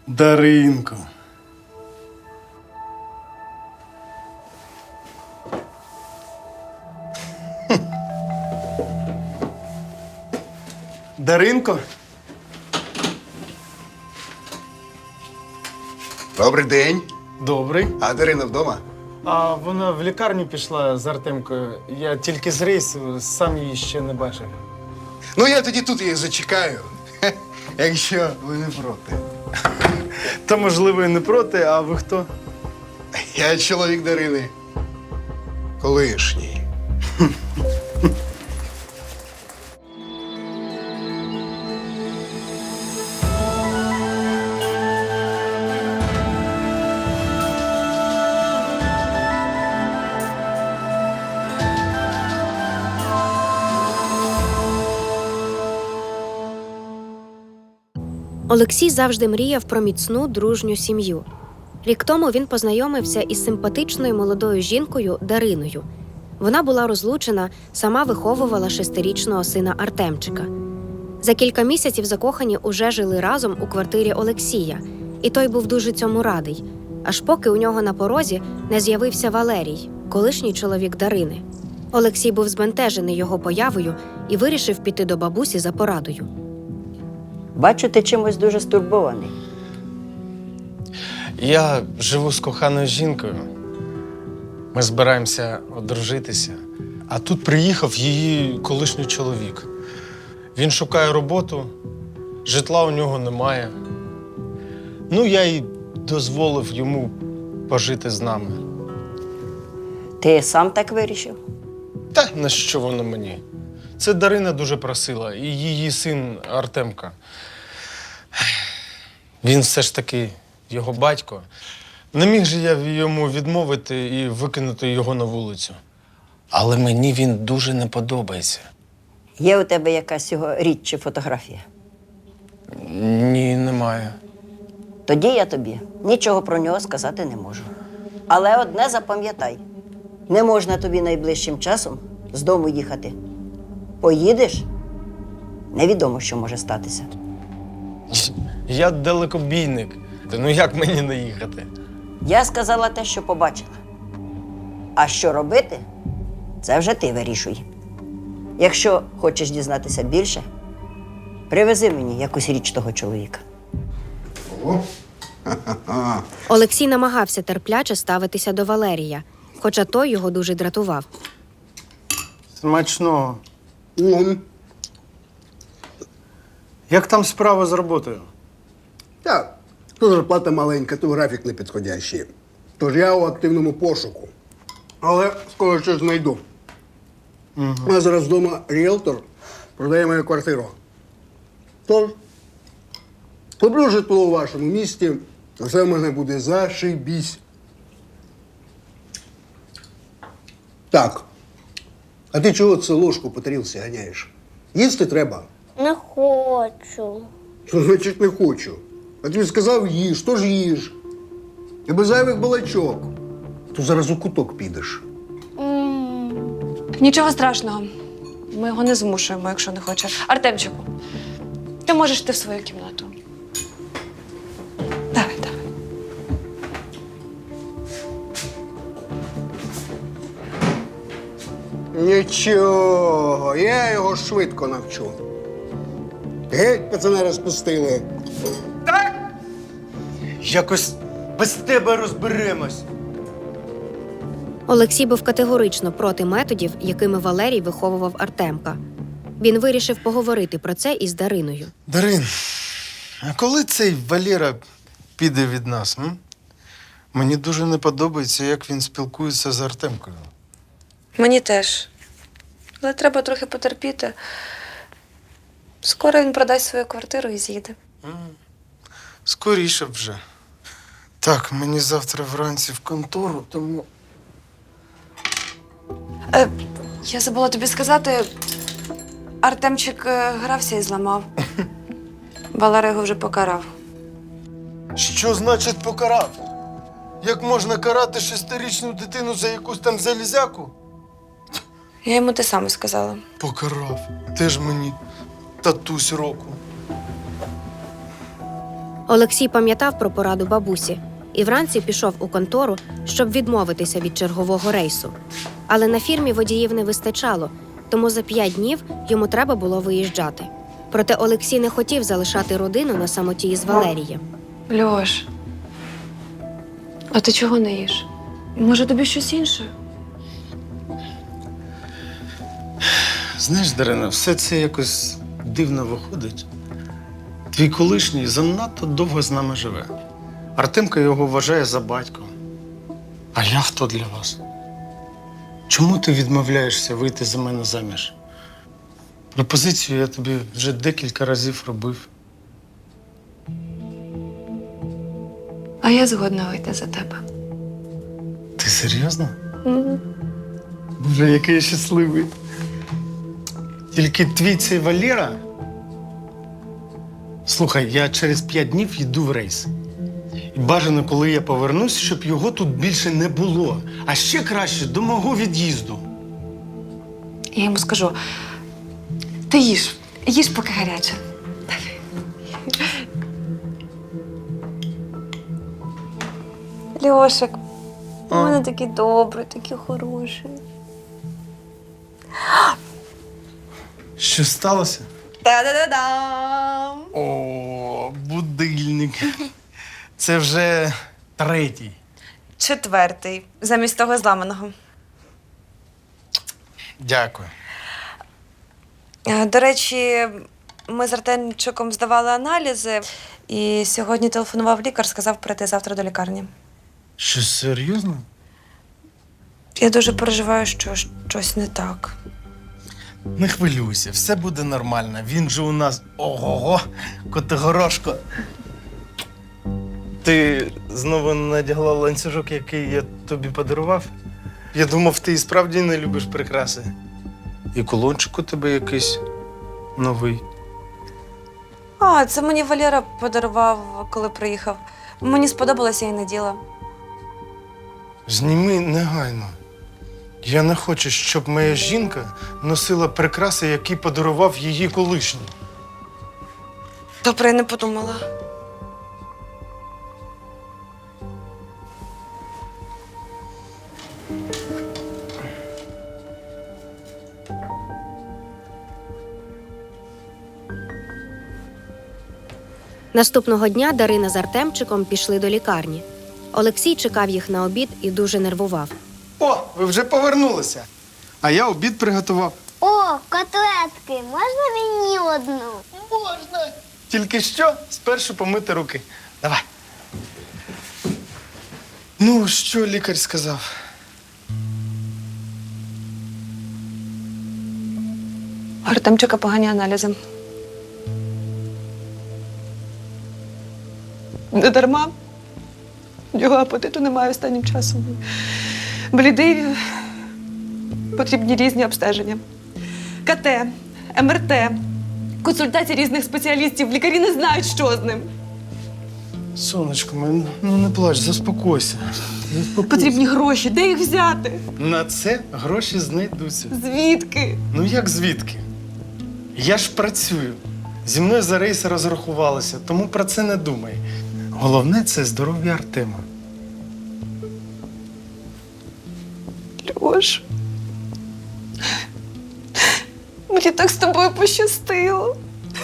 Даринко. Даринко? Добрий день. Добрий. А Дарина вдома? А вона в лікарню пішла з Артемкою. Я тільки з рейсу, сам її ще не бачив. Ну, я тоді тут її зачекаю, якщо ви не проти. Та, можливо, і не проти, а ви хто? Я чоловік Дарини. Колишній. Олексій завжди мріяв про міцну, дружню сім'ю. Рік тому він познайомився із симпатичною молодою жінкою Дариною. Вона була розлучена, сама виховувала 6-річного сина Артемчика. За кілька місяців закохані уже жили разом у квартирі Олексія, і той був дуже цьому радий, аж поки у нього на порозі не з'явився Валерій, колишній чоловік Дарини. Олексій був збентежений його появою і вирішив піти до бабусі за порадою. Бачу, ти чимось дуже стурбований. Я живу з коханою жінкою. Ми збираємося одружитися. А тут приїхав її колишній чоловік. Він шукає роботу, житла у нього немає. Ну, я й дозволив йому пожити з нами. Ти сам так вирішив? Та на що воно мені? Це Дарина дуже просила, і її син Артемка. Він все ж таки його батько. Не міг же я йому відмовити і викинути його на вулицю. Але мені він дуже не подобається. Є у тебе якась його річ чи фотографія? Ні, немає. Тоді я тобі нічого про нього сказати не можу. Але одне запам'ятай. Не можна тобі найближчим часом з дому їхати. Поїдеш – невідомо, що може статися. Я далекобійник. Ну як мені не їхати? Я сказала те, що побачила. А що робити – це вже ти вирішуй. Якщо хочеш дізнатися більше, привези мені якусь річ того чоловіка. Олексій намагався терпляче ставитися до Валерія, хоча той його дуже дратував. Смачного. Як там справа з роботою? Так, то зарплата маленька, то графік непідходящий. Тож я у активному пошуку. Але скоро щось знайду. У нас зараз вдома ріелтор продає мою квартиру. Тож, куплю житло у вашому місті, все в мене буде зашибісь. Так. А ти чого це ложку по тарілці ганяєш? Їсти треба. Не хочу. Що значить не хочу? А тобі сказав їж, то ж їж. І без зайвих балачок. То зараз у куток підеш. Нічого страшного. Ми його не змушуємо, якщо не хоче. Артемчику, ти можеш йти в свою кімнату. Давай, давай. Нічого, я його швидко навчу. Геть, пацани розпустили. Якось без тебе розберемось. Олексій був категорично проти методів, якими Валерій виховував Артемка. Він вирішив поговорити про це із Дариною. Дарин, а коли цей Валера піде від нас? Мені дуже не подобається, як він спілкується з Артемкою. Мені теж. Але треба трохи потерпіти. Скоро він продасть свою квартиру і з'їде. Скоріше вже. Так, мені завтра вранці в контору, тому... Я забула тобі сказати, Артемчик грався і зламав. Валера його вже покарав. Що значить покарав? Як можна карати 6-річну дитину за якусь там залізяку? Я йому те саме сказала. Покарав. Теж мені татусь року. Олексій пам'ятав про пораду бабусі і вранці пішов у контору, щоб відмовитися від чергового рейсу. Але на фірмі водіїв не вистачало, тому за 5 днів йому треба було виїжджати. Проте Олексій не хотів залишати родину на самоті із Валерієм. Льош, а ти чого не їш? Може, тобі щось інше? Знаєш, Дарина, все це якось дивно виходить. Твій колишній занадто довго з нами живе. Артемка його вважає за батьком. А я хто для вас? Чому ти відмовляєшся вийти за мене заміж? Пропозицію я тобі вже декілька разів робив. А я згодна вийти за тебе. Ти серйозно? Боже, який я щасливий. Тільки твій цей Валера. Слухай, я через 5 днів йду в рейс. І бажано, коли я повернусь, щоб його тут більше не було. А ще краще до мого від'їзду. Я йому скажу: ти їж поки гаряче. Льошик, у мене такий добрий, такий хороший. Що сталося? Та-да-да-дам! О, будильник. Це вже 3-й. 4-й, замість того зламаного. Дякую. До речі, ми з Артемчиком здавали аналізи, і сьогодні телефонував лікар, сказав прийти завтра до лікарні. Що, серйозно? Я дуже переживаю, що щось не так. Не хвилюйся, все буде нормально. Він же у нас ого-го, Котигорошко. Ти знову надягла ланцюжок, який я тобі подарував? Я думав, ти і справді не любиш прикраси. І кулончик у тебе якийсь новий. А, це мені Валера подарував, коли приїхав. Мені сподобалося і наділа. Зніми негайно. Я не хочу, щоб моя жінка носила прикраси, які подарував її колишній. Добре, я не подумала. Наступного дня Дарина з Артемчиком пішли до лікарні. Олексій чекав їх на обід і дуже нервував. О, ви вже повернулися. А я обід приготував. О, котлетки, можна мені одну? Можна. Тільки що спершу помити руки. Давай. Ну, що лікар сказав? Артемчика погані аналізи. Не дарма. Його апетиту немає останнім часом. Блідий. Потрібні різні обстеження. КТ, МРТ, консультації різних спеціалістів. Лікарі не знають, що з ним. Сонечко, ну не плач, заспокойся. Потрібні гроші. Де їх взяти? На це гроші знайдуться. Звідки? Ну як звідки? Я ж працюю. Зі мною за рейс розрахувалися, тому про це не думай. Головне – це здоров'я Артема. Льош. Мені так з тобою пощастило.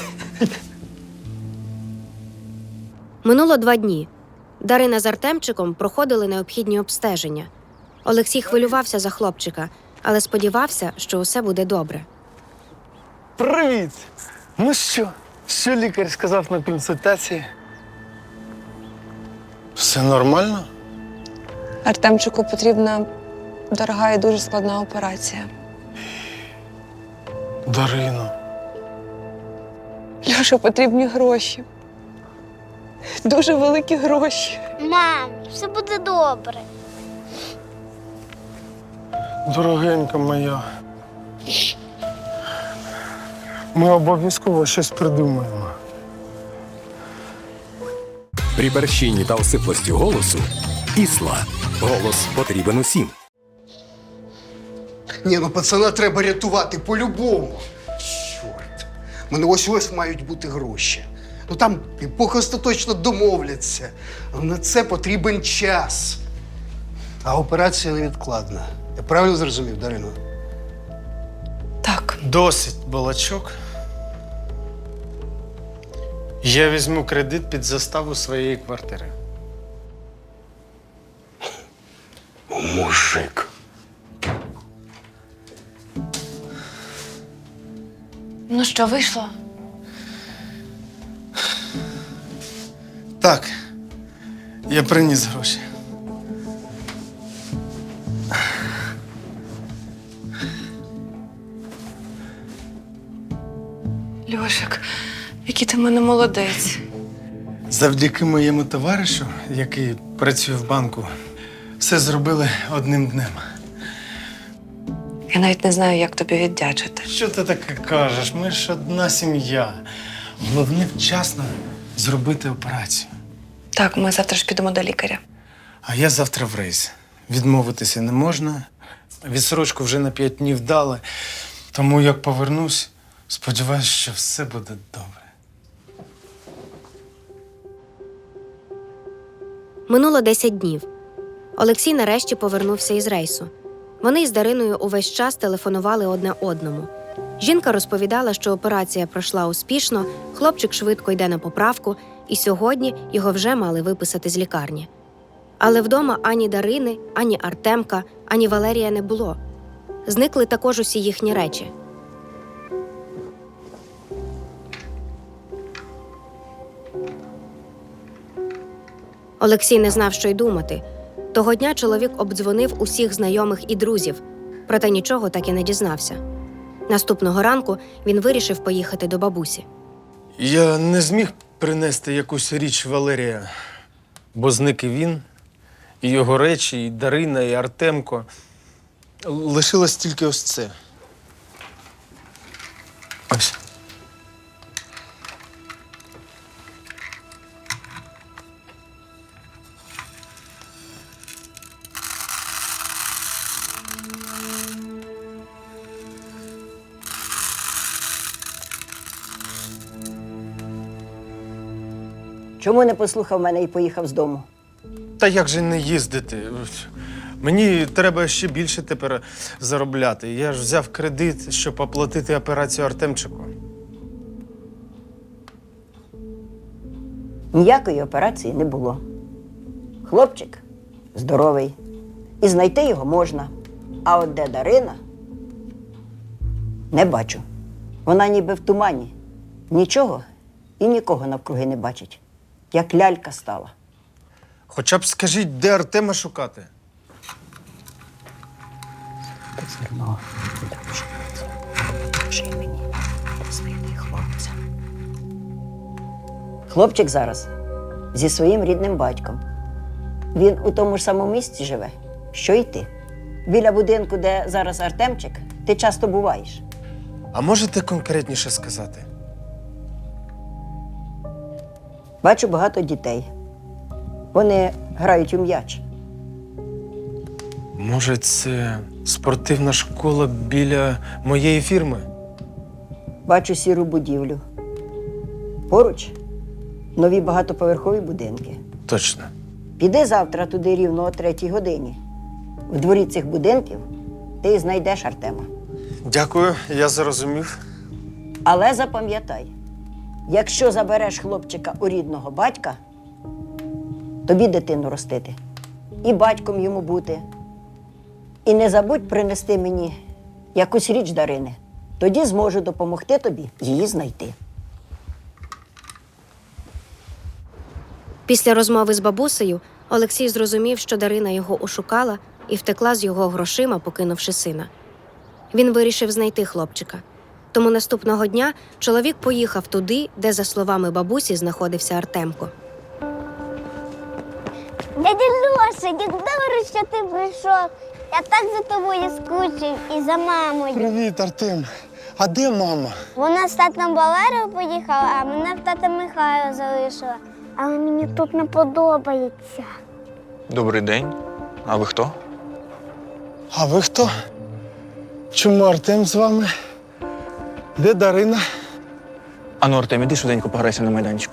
Минуло 2 дні. Дарина з Артемчиком проходили необхідні обстеження. Олексій хвилювався за хлопчика, але сподівався, що усе буде добре. Привіт! Ну що лікар сказав на консультації? Все нормально? Артемчику потрібна дорога і дуже складна операція. Дарино. Льоша, потрібні гроші. Дуже великі гроші. Мам, все буде добре. Дорогенька моя. Ми обов'язково щось придумаємо. При борщині та осиплості голосу Ісла. Голос потрібен усім. Ні, ну пацана треба рятувати по-любому. Чорт. У мене ось мають бути гроші. Ну там епохи остаточно домовляться. А на це потрібен час. А операція невідкладна. Я правильно зрозумів, Дарино? Так. Досить балачок. Я візьму кредит під заставу своєї квартири. Мужик. Ну що, вийшло? Так, я приніс гроші. Льошик, який ти в мене молодець. Завдяки моєму товаришу, який працює в банку, все зробили одним днем. Я навіть не знаю, як тобі віддячити. Що ти таке кажеш? Ми ж одна сім'я. Головне вчасно зробити операцію. Так, ми завтра ж підемо до лікаря. А я завтра в рейс. Відмовитися не можна. Відсрочку вже на 5 днів дали. Тому як повернусь, сподіваюся, що все буде добре. Минуло 10 днів. Олексій нарешті повернувся із рейсу. Вони із Дариною увесь час телефонували одне одному. Жінка розповідала, що операція пройшла успішно, хлопчик швидко йде на поправку, і сьогодні його вже мали виписати з лікарні. Але вдома ані Дарини, ані Артемка, ані Валерія не було. Зникли також усі їхні речі. Олексій не знав, що й думати. Того дня чоловік обдзвонив усіх знайомих і друзів, проте нічого так і не дізнався. Наступного ранку він вирішив поїхати до бабусі. Я не зміг принести якусь річ Валерія, бо зник і він, і його речі, і Дарина, і Артемко. Лишилось тільки ось це. Ось. Чому не послухав мене і поїхав з дому? Та як же не їздити? Мені треба ще більше тепер заробляти. Я ж взяв кредит, щоб оплатити операцію Артемчику. Ніякої операції не було. Хлопчик здоровий. І знайти його можна. А от де Дарина? Не бачу. Вона ніби в тумані. Нічого і нікого навкруги не бачить. Як лялька стала. Хоча б скажіть, де Артема шукати? Хлопчик зараз зі своїм рідним батьком. Він у тому ж самому місці живе, що й ти. Біля будинку, де зараз Артемчик, ти часто буваєш. А можете конкретніше сказати? Бачу багато дітей. Вони грають у м'яч. Може, це спортивна школа біля моєї фірми? Бачу сіру будівлю. Поруч нові багатоповерхові будинки. Точно. Піди завтра туди рівно о 3-й годині. В дворі цих будинків ти і знайдеш Артема. Дякую, я зрозумів. Але запам'ятай, якщо забереш хлопчика у рідного батька, тобі дитину ростити. І батьком йому бути. І не забудь принести мені якусь річ Дарини. Тоді зможу допомогти тобі її знайти. Після розмови з бабусею Олексій зрозумів, що Дарина його ошукала і втекла з його грошима, покинувши сина. Він вирішив знайти хлопчика. Тому наступного дня чоловік поїхав туди, де, за словами бабусі, знаходився Артемко. Дядя Льоша, як добре, що ти прийшов. Я так за тобою скучив і за мамою. Привіт, Артем. А де мама? Вона з татом Валерою поїхала, а мене в тата Михайла залишила. Але мені тут не подобається. Добрий день. А ви хто? А ви хто? Чому Артем з вами? Де Дарина? Ану, Артем, іди швиденько пограйся на майданчику.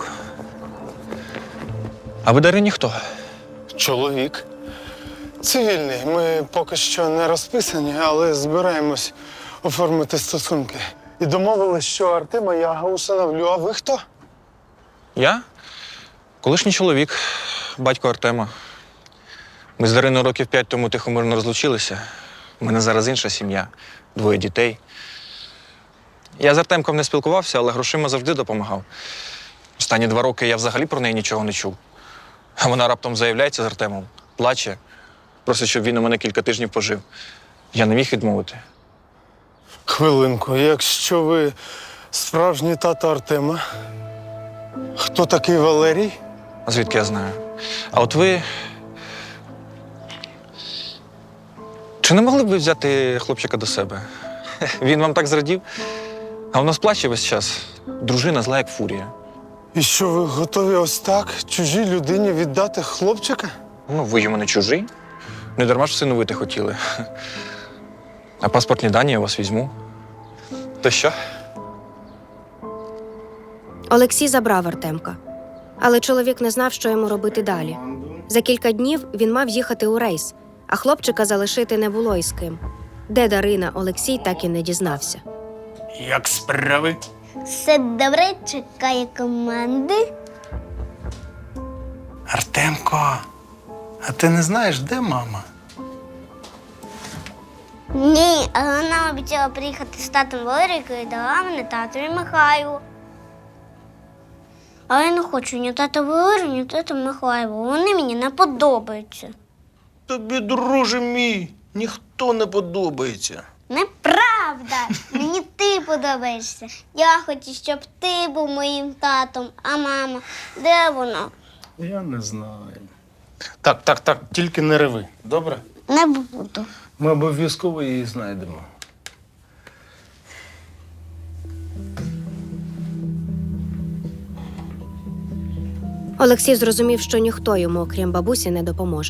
А ви Дарині хто? Чоловік. Цивільний. Ми поки що не розписані, але збираємось оформити стосунки. І домовились, що Артема я усиновлю. А ви хто? Я? Колишній чоловік, батько Артема. Ми з Дариною років 5 тому тихомирно розлучилися. У мене зараз інша сім'я, 2 дітей. Я з Артемком не спілкувався, але грошима завжди допомагав. Останні 2 роки я взагалі про неї нічого не чув. А вона раптом заявляється з Артемом, плаче, просить, щоб він у мене кілька тижнів пожив. Я не міг відмовити. Хвилинку, якщо ви справжній тато Артема, хто такий Валерій? А звідки я знаю? А от ви. Чи не могли б ви взяти хлопчика до себе? Він вам так зрадів, а у нас плаче весь час. Дружина зла, як фурія. І що ви готові ось так чужій людині віддати хлопчика? Ну, ви йому не чужий. Не дарма ж всиновити хотіли. А паспортні дані я у вас візьму. То що? Олексій забрав Артемка. Але чоловік не знав, що йому робити далі. За кілька днів він мав їхати у рейс, а хлопчика залишити не було із ким. Де Дарина, Олексій так і не дізнався. Як справи? Все добре, чекає команди. Артемко, а ти не знаєш, де мама? Ні, але вона обіцяла приїхати з татом Валерійкою і дала мене татові Михайлу. Але я не хочу ні тата Валерію, ні тата Михайлу. Вони мені не подобаються. Тобі, друже мій, ніхто не подобається. Неправда! Мені ти подобаєшся. Я хочу, щоб ти був моїм татом, а мама, де вона? Я не знаю. Так, тільки не реви, добре? Не буду. Ми обов'язково її знайдемо. Олексій зрозумів, що ніхто йому, окрім бабусі, не допоможе.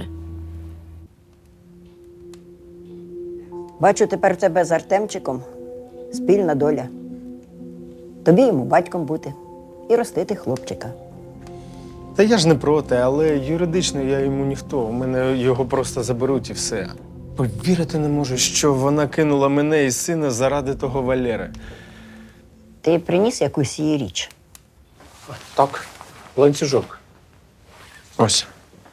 Бачу, тепер в тебе з Артемчиком спільна доля. Тобі йому батьком бути і ростити хлопчика. Та я ж не проти, але юридично я йому ніхто. У мене його просто заберуть і все. Повірити не можу, що вона кинула мене і сина заради того Валери. Ти приніс якусь її річ. Так, ланцюжок. Ось.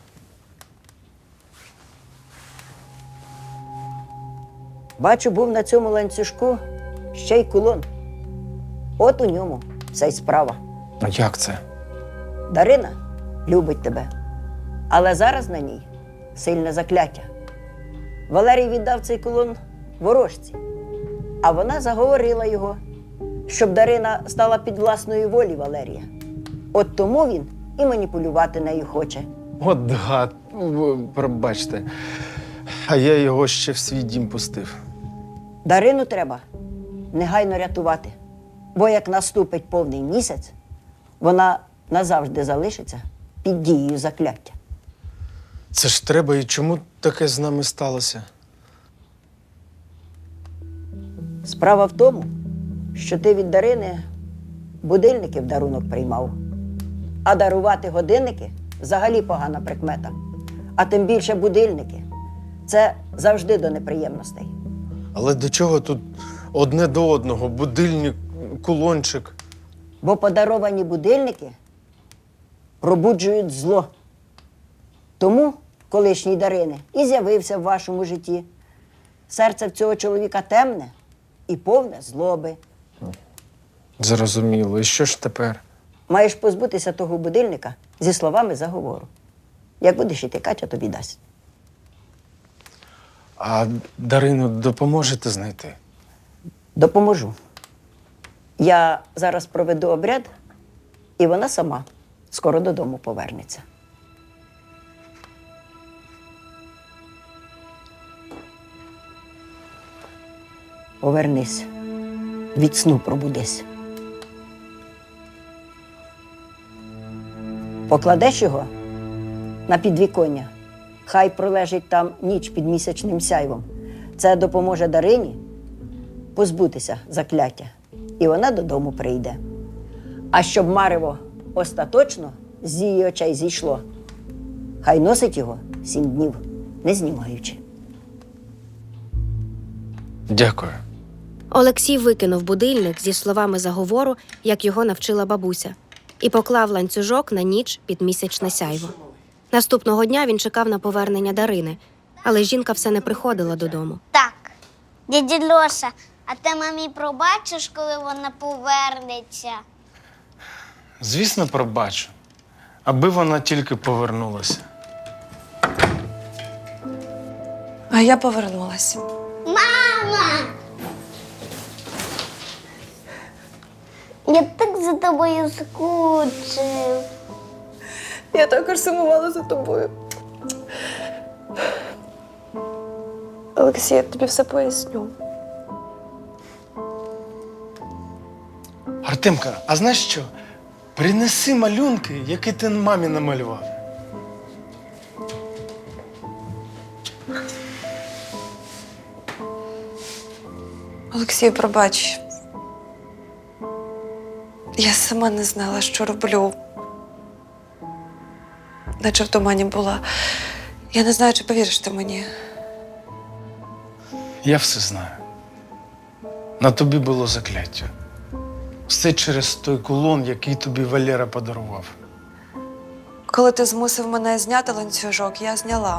Бачу, був на цьому ланцюжку ще й кулон. От у ньому вся й справа. А як це? Дарина любить тебе, але зараз на ній сильне закляття. Валерій віддав цей кулон ворожці, а вона заговорила його, щоб Дарина стала під власної волі Валерія. От тому він і маніпулювати нею хоче. От гад, пробачте. А я його ще в свій дім пустив. Дарину треба негайно рятувати, бо як наступить повний місяць, вона назавжди залишиться під дією закляття. Це ж треба, і чому таке з нами сталося? Справа в тому, що ти від Дарини будильники в дарунок приймав. А дарувати годинники взагалі погана прикмета. А тим більше будильники – це завжди до неприємностей. Але до чого тут одне до одного? Будильник, кулончик. Бо подаровані будильники пробуджують зло. Тому колишній Дарини і з'явився в вашому житті. Серце в цього чоловіка темне і повне злоби. Зрозуміло. І що ж тепер? Маєш позбутися того будильника зі словами заговору. Як будеш іти, Катя тобі дасть. А Дарину допоможете знайти? Допоможу. Я зараз проведу обряд, і вона сама скоро додому повернеться. Повернись. Від сну пробудись. Покладеш його на підвіконня. Хай пролежить там ніч під місячним сяйвом. Це допоможе Дарині позбутися закляття. І вона додому прийде. А щоб марево остаточно з її очей зійшло, хай носить його 7 днів, не знімаючи. Дякую. Олексій викинув будильник зі словами заговору, як його навчила бабуся, і поклав ланцюжок на ніч під місячне сяйво. Наступного дня він чекав на повернення Дарини, але жінка все не приходила додому. Так, дядя Льоша, а ти мамі пробачиш, коли вона повернеться? Звісно, пробачу. Аби вона тільки повернулася. А я повернулася. Мама! Я так за тобою скучив. Я також сумувала за тобою. Олексій, я тобі все поясню. Артемка, а знаєш що? Принеси малюнки, які ти мамі намалював. Олексій, пробач. Я сама не знала, що роблю. Наче в тумані була. Я не знаю, чи повіриш ти мені. Я все знаю. На тобі було закляття. Все через той кулон, який тобі Валера подарував. Коли ти змусив мене зняти ланцюжок, я зняла.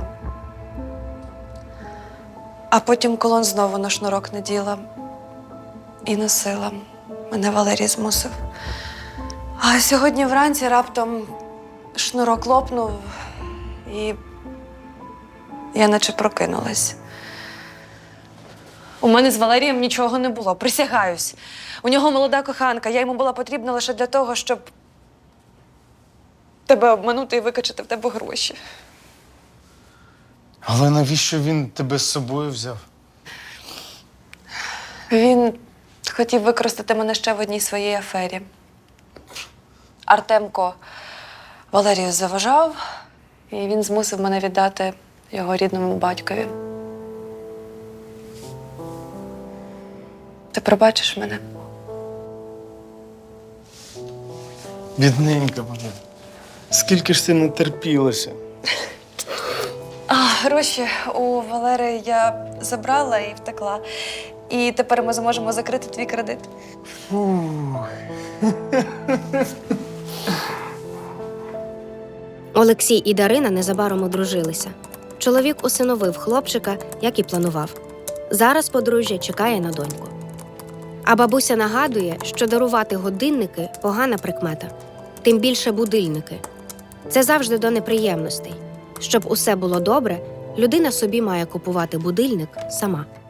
А потім кулон знову на шнурок наділа і носила. Мене Валерій змусив. А сьогодні вранці раптом шнурок лопнув, і я наче прокинулась. У мене з Валерієм нічого не було, присягаюсь. У нього молода коханка, я йому була потрібна лише для того, щоб тебе обманути і викачати в тебе гроші. Але навіщо він тебе з собою взяв? Він хотів використати мене ще в одній своїй афері. Артемко Валерію заважав, і він змусив мене віддати його рідному батькові. Ти пробачиш мене? Бідненька моя. Скільки ж ти не терпілася? Гроші у Валери я забрала і втекла. І тепер ми зможемо закрити твій кредит. Олексій і Дарина незабаром одружилися. Чоловік усиновив хлопчика, як і планував. Зараз подружжя чекає на доньку. А бабуся нагадує, що дарувати годинники – погана прикмета. Тим більше будильники. Це завжди до неприємностей. Щоб усе було добре, людина собі має купувати будильник сама.